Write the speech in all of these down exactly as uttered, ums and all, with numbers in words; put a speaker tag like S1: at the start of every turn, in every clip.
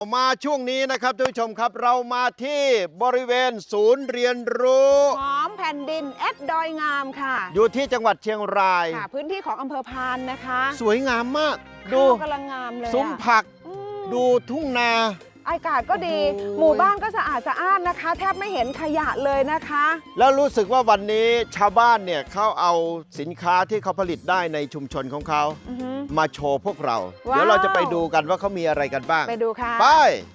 S1: มาช่วงนี้นะครับท่านผู้ชมครับเรามาที่บริเวณศูนย์เรียนรู้
S2: หอมแผ่นดินแอดดอยงามค่ะ
S1: อยู่ที่จังหวัดเชียงราย
S2: ค่ะพื้นที่ของอำเภอพานนะคะ
S1: สวยงามมากดู
S2: กำลังงามเลย
S1: ซุ้มผักดูทุ่งนา
S2: อากาศก็ดีหมู่บ้านก็สะอาดสะอ้านนะคะแทบไม่เห็นขยะเลยนะคะ
S1: แล้วรู้สึกว่าวันนี้ชาวบ้านเนี่ยเขาเอาสินค้าที่เขาผลิตได้ในชุมชนของเขามาโชว์พวกเราเดี๋ยวเราจะไปดูกันว่าเขามีอะไรกันบ้าง
S2: ไปดูค่ะ
S1: ไป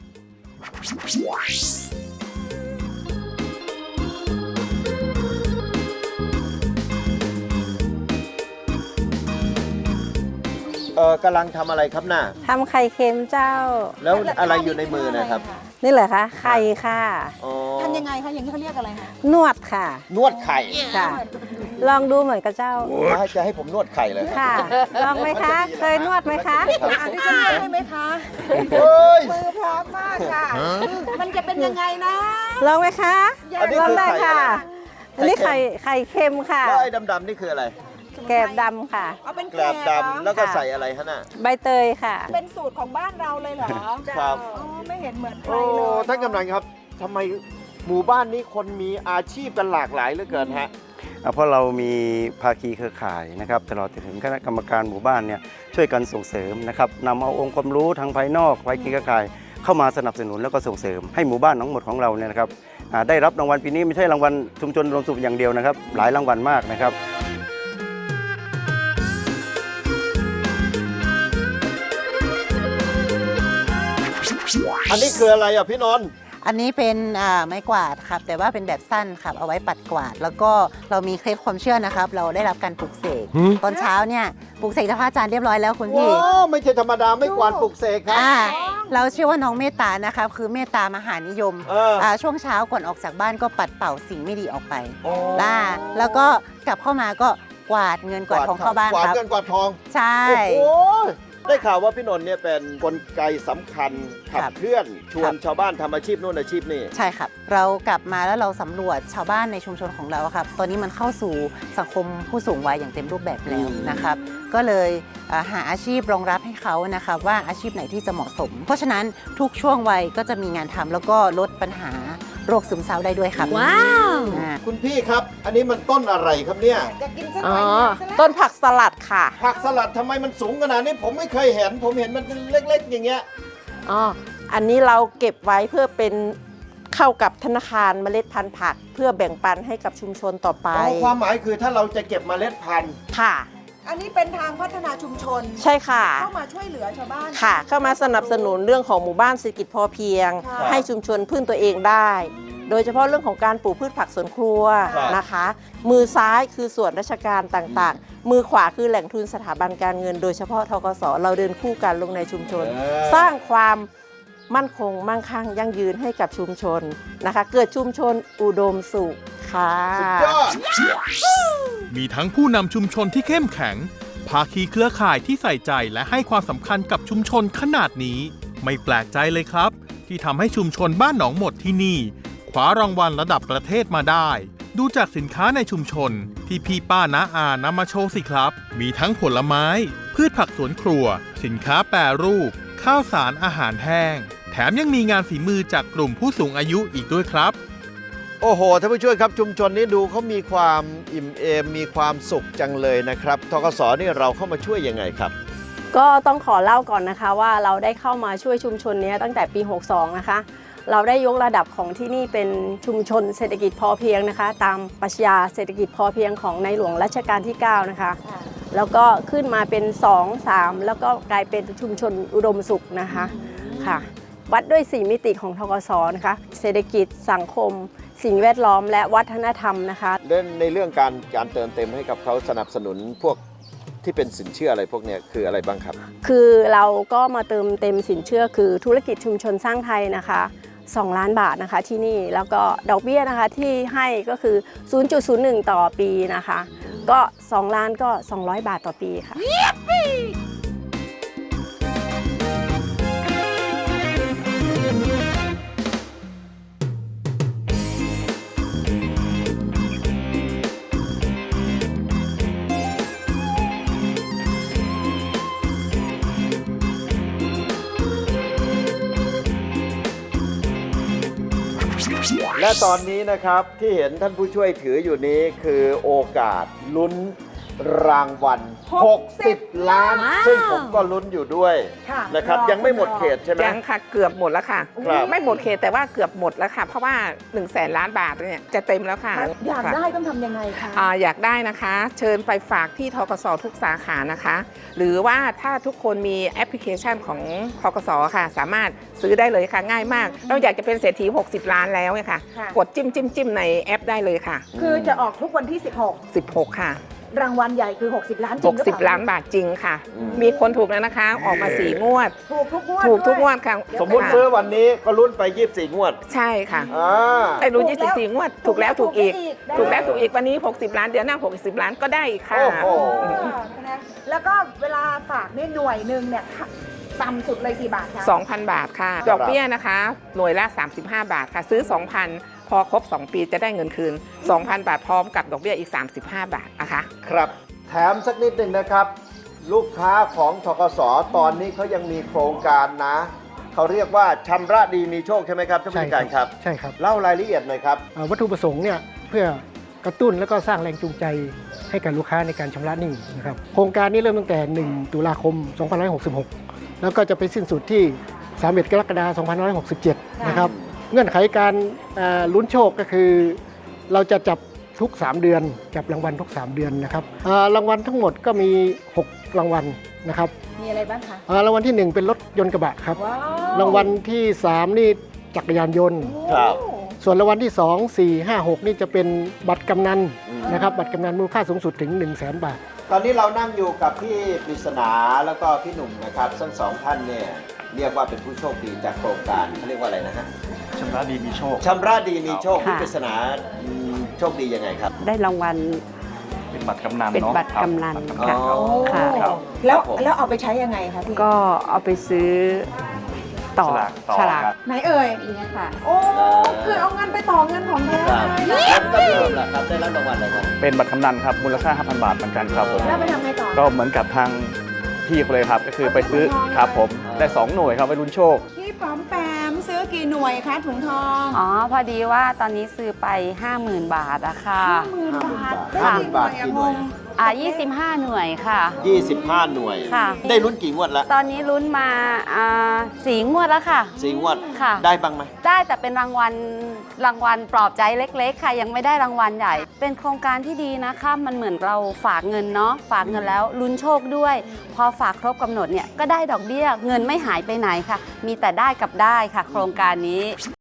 S1: เออกำลังทำอะไรครับน่ะ
S3: ทำไข่เค็มเจ้า
S1: แล้วอะไรอยู่ในมือนะครับ
S3: นี่เหรอคะไข่ค่ะ
S2: ทำยังไงคะอย่างนี้เขาเรียกอะไรคะ
S3: นวดค่ะ
S1: นวดไข่
S3: ค่ะลองดูเหมือนกับเจ้า
S1: จะให้ผมนวดไข่เลย
S3: ค่ะลองไหมคะเคยนวดไหมคะ
S2: อันนี้จะนวดได้ไหมคะมือพร้อมมากค่ะมันจะเป็นยังไงนะ
S3: ลองไหมคะลองได้ค่ะอันนี้ไข่ไข่เค็มค่ะ
S1: แล้วไอ้ดำๆนี่คืออะไร
S3: แกบดำค่ะ
S2: เอาเป็น
S1: แกบดำแล้วก็ใส่อะไรฮะน่ะ
S3: ใบเตยค่ะ
S2: เป็นสูตรของบ้านเราเลยเหรอ
S1: ครับ
S2: ไม่เห็นเหมือนใครเลย
S1: ท่านกำนันครับทำไมหมู่บ้านนี้คนมีอาชีพกันหลากหลายเหลือเกินฮะ
S4: เพราะเรามีภาคีเครือข่ายนะครับตลอดถึงคณะกรรมการหมู่บ้านเนี่ยช่วยกันส่งเสริมนะครับนำเอาองค์ความรู้ทางภายนอกภาคีเครือข่ายเข้ามาสนับสนุนแล้วก็ส่งเสริมให้หมู่บ้านทั้งหมดของเราเนี่ยนะครับได้รับรางวัลปีนี้ไม่ใช่รางวัลชุมชนรวมสุขอย่างเดียวนะครับหลายรางวัลมากนะครับ
S1: อันนี้คืออะไรอ่ะพี่นนท์
S5: อันนี้เป็นไม้กวาดครับแต่ว่าเป็นแบบสั้นครับเอาไว้ปัดกวาดแล้วก็เรามีเคล็ดความเชื่อนะครับเราได้รับการปลุกเสกตอนเช้าเนี่ยปลุกเสกจากพระอาจารย์เรียบร้อยแล้วคุณพี่
S1: ว้าวไม่ใช่ธรรมดาไม่กวาดปลุกเสกครับ
S5: เราเชื่อว่าน้องเมตตานะครับคือเมตตามหานิยมช่วงเช้าก่อนออกจากบ้านก็ปัดเป่าสิ่งไม่ดีออกไปล่าแล้วก็กลับเข้ามาก็กวาดเงินกวาดทองเข้าบ้านครับ
S1: กวาดเงินกวาดทอง
S5: ใช่
S1: ได้ข่าวว่าพี่นนท์เนี่ยเป็นกลไกสำคัญขับเคลื่อนชวนชาวบ้านทำอาชีพโน่นอาชีพนี่
S5: ใช่ครับเรากลับมาแล้วเราสำรวจชาวบ้านในชุมชนของเราครับตอนนี้มันเข้าสู่สังคมผู้สูงวัยอย่างเต็มรูปแบบแล้วนะครับก็เลยหาอาชีพรองรับให้เขานะครับว่าอาชีพไหนที่จะเหมาะสมเพราะฉะนั้นทุกช่วงวัยก็จะมีงานทำแล้วก็ลดปัญหาโรคซึมเศร้าได้ด้วยครับ
S3: ว้าว
S1: คุณพี่ครับอันนี้มันต้นอะไรครับเนี่ย
S2: จะกินสักหน่อย
S3: ต้นผักสลัดค่ะ
S1: ผักสลัดทำไมมันสูงขนาดนี้ผมไม่เคยเห็นผมเห็นมันเล็กๆอย่างเงี้ย
S6: อ๋ออันนี้เราเก็บไว้เพื่อเป็นเข้ากับธนาคารเมล็ดพันธุ์ผักเพื่อแบ่งปันให้กับชุมชนต่อไป
S1: ความหมายคือถ้าเราจะเก็บเมล็ดพันธุ์
S6: ค่ะ
S2: อันนี้เป็นทางพัฒนาชุมชน
S6: ใช่ค่ะ
S2: เข้ามาช่วยเหลือชาวบ้าน
S6: ค่ะเข้ามาสนับสนุนเรื่องของหมู่บ้านเศรษฐกิจพอเพียงให้ชุมชนพึ่งตัวเองได้โดยเฉพาะเรื่องของการปลูกพืชผักสวนครัวนะคะมือซ้ายคือส่วนราชการต่างๆมือขวาคือแหล่งทุนสถาบันการเงินโดยเฉพาะธกส.เราเดินคู่กันลงในชุมชนสร้างความมั่นคงมั่งคั่งยั่งยืนให้กับชุมชนนะคะเกิดชุมชนอุดมสุขค่ะ
S7: มีทั้งผู้นำชุมชนที่เข้มแข็งภาคีเครือข่ายที่ใส่ใจและให้ความสำคัญกับชุมชนขนาดนี้ไม่แปลกใจเลยครับที่ทำให้ชุมชนบ้านหนองหมดที่นี่คว้ารางวัลระดับประเทศมาได้ดูจากสินค้าในชุมชนที่พี่ป้าน้าอานำมาโชว์สิครับมีทั้งผลไม้พืชผักสวนครัวสินค้าแปรรูปข้าวสารอาหารแห้งแถมยังมีงานฝีมือจากกลุ่มผู้สูงอายุอีกด้วยครับ
S1: โอ้โหท่านผู้ช่วยครับชุมชนนี้ดูเขามีความอิ่มเอมมีความสุขจังเลยนะครับธกส.นี่เราเข้ามาช่วยยังไงครับ
S8: ก็ต้องขอเล่าก่อนนะคะว่าเราได้เข้ามาช่วยชุมชนนี้ตั้งแต่ปีหกสิบสองนะคะเราได้ยกระดับของที่นี่เป็นชุมชนเศรษฐกิจพอเพียงนะคะตามปรัชญาเศรษฐกิจพอเพียงของในหลวงรัชกาลที่เก้านะคะแล้วก็ขึ้นมาเป็นสอง สามแล้วก็กลายเป็นชุมชนอุดมสุขนะคะค่ะวัดด้วยสี่มิติของธกส.นะคะเศรษฐกิจสังคมสิ่งแวดล้อมและวัฒนธรรมนะคะ
S1: เล่นในเรื่องการการเติมเต็มให้กับเขาสนับสนุนพวกที่เป็นสินเชื่ออะไรพวกนี้คืออะไรบ้างครับ
S8: คือเราก็มาเติมเต็มสินเชื่อคือธุรกิจชุมชนสร้างไทยนะคะสองล้านบาทนะคะที่นี่แล้วก็ดอกเบี้ยนะคะที่ให้ก็คือ ศูนย์จุดศูนย์หนึ่ง ต่อปีนะคะก็สองล้านก็สองร้อยบาทต่อปีค่ะ
S1: และตอนนี้นะครับที่เห็นท่านผู้ช่วยถืออยู่นี้คือโอกาสลุ้นรางวัลหกสิบล้าน ซึ่งผมก็ลุ้นอยู่ด้วย
S2: ค่ะ
S1: นะครับ
S2: รอ
S1: ยังไม่หมดเขตใช่ไหม
S9: ยังค่ะเกือบหมดแล้วค่ะ
S1: ครับ
S9: ไม่หมดเขตแต่ว่าเกือบหมดแล้วค่ะ เพราะว่า1นึ่งแสนล้านบาทเนี่ยจะเต็มแล้วค่ะ
S2: อยาก
S9: ค่ะ
S2: ได้ต้องทำยังไงคะ
S9: อ่าอยากได้นะคะ เชิญไปฝากที่ธกสทุกสาขานะคะ หรือว่าถ้าทุกคนมีแอปพลิเคชันของธกสค่ะ สามารถซื้อได้เลยค่ะง่ายมาก เราอยากจะเป็นเศรษฐีหกสิบล้านแล้วเนี่ยค่ะ
S2: ค่ะ
S9: กดจิ้มจิ้มจิ้มในแอปได้เลยค่ะ
S2: คือจะออกทุกวันที่ สิบหก
S9: สิบหกค่ะ
S2: รางวัลใหญ่คือ หกสิบ ล้านจริงหรือเปล่า
S9: 60 ล้านบาทจริงค่ะ มีคนถูกแล้วนะคะ ออกมาสี่งวด
S2: ถูกทุกงวด
S9: ถูกทุกง
S2: ด้
S9: ว
S2: ย
S9: ดค่ะ
S1: สมมุติ
S9: ค่ะ
S1: ซื้อวันนี้ก็ลุ้นไปยี่สิบสี่งวด
S9: ใช่ค่ะ
S1: อ่า
S9: ได้รู้ยี่สิบสี่งวด ถูกแล้วถูกอีก
S2: ถู
S9: ถู
S2: ก
S9: ก
S2: แล้
S9: แล้ว วถูกอีกวันนี้ 60 ล้านเดือนหน้า 60 ล้านก็ได้อีกค่ะ
S1: โอ้โห
S2: เออนะแล้วก็เวลาฝากเนี่ยหน่วยหนึ่งเนี่ยต่ำสุดเลยกี่บาทคะ
S9: สองพัน บาทค่ะ ดอกเบี้ยนะคะ หน่วยละ สามสิบห้า บาทค่ะ ซื้อ สองพัน พอครบ สอง ปีจะได้เงินคืน สองพัน บาทพร้อมกับดอกเบี้ยอีก สามสิบห้า บาทนะคะ
S1: ครับแถมสักนิดหนึ่งนะครับ ลูกค้าของธกสตอนนี้เขายังมีโครงการนะ เขาเรียกว่าชำระดีมีโชคใช่ไหมครับท่านผู้จัดการครับ
S10: ใช่ครับ
S1: เล่ารายละเอียดหน่อยครับ
S10: เอ่อวัตถุประสงค์เนี่ยเพื่อกระตุ้นและก็สร้างแรงจูงใจให้กับลูกค้าในการชำระหนี้นะครับโครงการนี้เริ่มตั้งแต่ หนึ่ง ตุลาคม สองพันห้าร้อยหกสิบหก แล้วก็จะไปสิ้นสุดที่ สามสิบเอ็ด กรกฎาคม สองพันห้าร้อยหกสิบเจ็ด นะครับเงื่อนไขการเอ่อลุ้นโชคก็คือ เราจะจับทุก สาม เดือนจับรางวัลทุก สาม เดือนนะครับเอ่อรางวัลทั้งหมดก็มี หก รางวัลนะครับ
S2: มีอะไรบ้างคะ
S10: เอ่อรางวัลที่หนึ่งเป็นรถยนต์กระบะครับ
S2: ว้าว
S10: รางวัลที่สามนี่จักรยานยนต์
S1: ครับ
S10: ส่วนรางวัลที่สอง สี่ ห้า หก นี่จะเป็นบัตรกำนันนะครับ บัตรกำนันมูลค่าสูงสุดถึง หนึ่งแสน บาท
S1: ตอนนี้เรานั่งอยู่กับพี่ปริศนาแล้วก็พี่หนุ่มนะครับทั้งสองท่านเนี่ยเรียกว่าเป็นผู้โชคดีจากโครงการเขาเรียกว่าอะไรนะฮะ
S11: ชำระดีมีโชค
S1: ชำระดีมีโชค
S3: ค่ะ
S1: พี่ปริศนาอืมโชคดียังไงครับ
S3: ได้รางวัล
S11: เป็นบัตรกำนัน
S3: เป็น
S11: เนาะ
S3: บัตรกำนัน
S11: ครับ
S3: ค่ะ ค่ะ
S11: ครับ
S2: แล้ว
S1: ครับผม
S2: แล้วเอาไปใช้ยังไงคะพี่
S3: ก็เอาไปซื้อต่อ
S11: ฉลากต่อ
S3: ฉลาก
S11: ครับ
S2: ไหนเอ่ย
S3: นี่ค่ะ
S2: โอ้คือเอาเงินไปต่อเงินของแท้
S1: ครับ
S2: เลย
S1: แล้วก็พี่หนุ่มล่ะครับได้รับรางวัลอะไรครับ
S11: เป็นบัตรกำนันครับ มูลค่า ห้าพัน บาทเหมือนกันครับผม
S2: แล้วไปทำไงต่อ
S11: ก็เหมือนกับทางพี่เขาเลยครับ ก็คือไปซื้อ
S2: เอาไป
S11: ครับผม
S1: อ่า
S11: ได้ สอง หน่วยครับไปลุ้นโชค
S2: พี่ป๋อมแปมซื้อกี่หน่วยคะถุงทอง
S3: อ๋อ พอดีว่าตอนนี้ซื้อไป ห้าหมื่น บาทอะค่ะ
S2: ห้าหมื่นบาทได้
S1: ห้าห
S2: กี่
S1: มื่น
S2: หน่
S1: บา
S2: วย
S1: ท
S2: อะ
S1: กี่ห
S2: ง
S1: น่วย
S2: ง
S3: อ่ายี่สิบห้า หน่วยค่ะ
S1: ยี่สิบห้าหน่วย
S3: ค่ะ
S1: ได้ลุ้นกี่งวดแล้ว
S3: ตอนนี้ลุ้นมาอ่าสี่งวดแล้วค่ะ
S1: สี่งวด
S3: ค่ะ
S1: ได้บ้างไหม
S3: ได้แต่เป็นรางวัลรางวัลปลอบใจเล็กๆ ค่ะ ยังไม่ได้รางวัลใหญ่ เป็นโครงการที่ดีนะคะมันเหมือนเราฝากเงินเนาะฝากเงินแล้วลุ้นโชคด้วย พอฝากครบกำหนดเนี่ยก็ได้ดอกเบี้ยเงินไม่หายไปไหนค่ะ มีแต่ได้กับได้ค่ะ โครงการนี้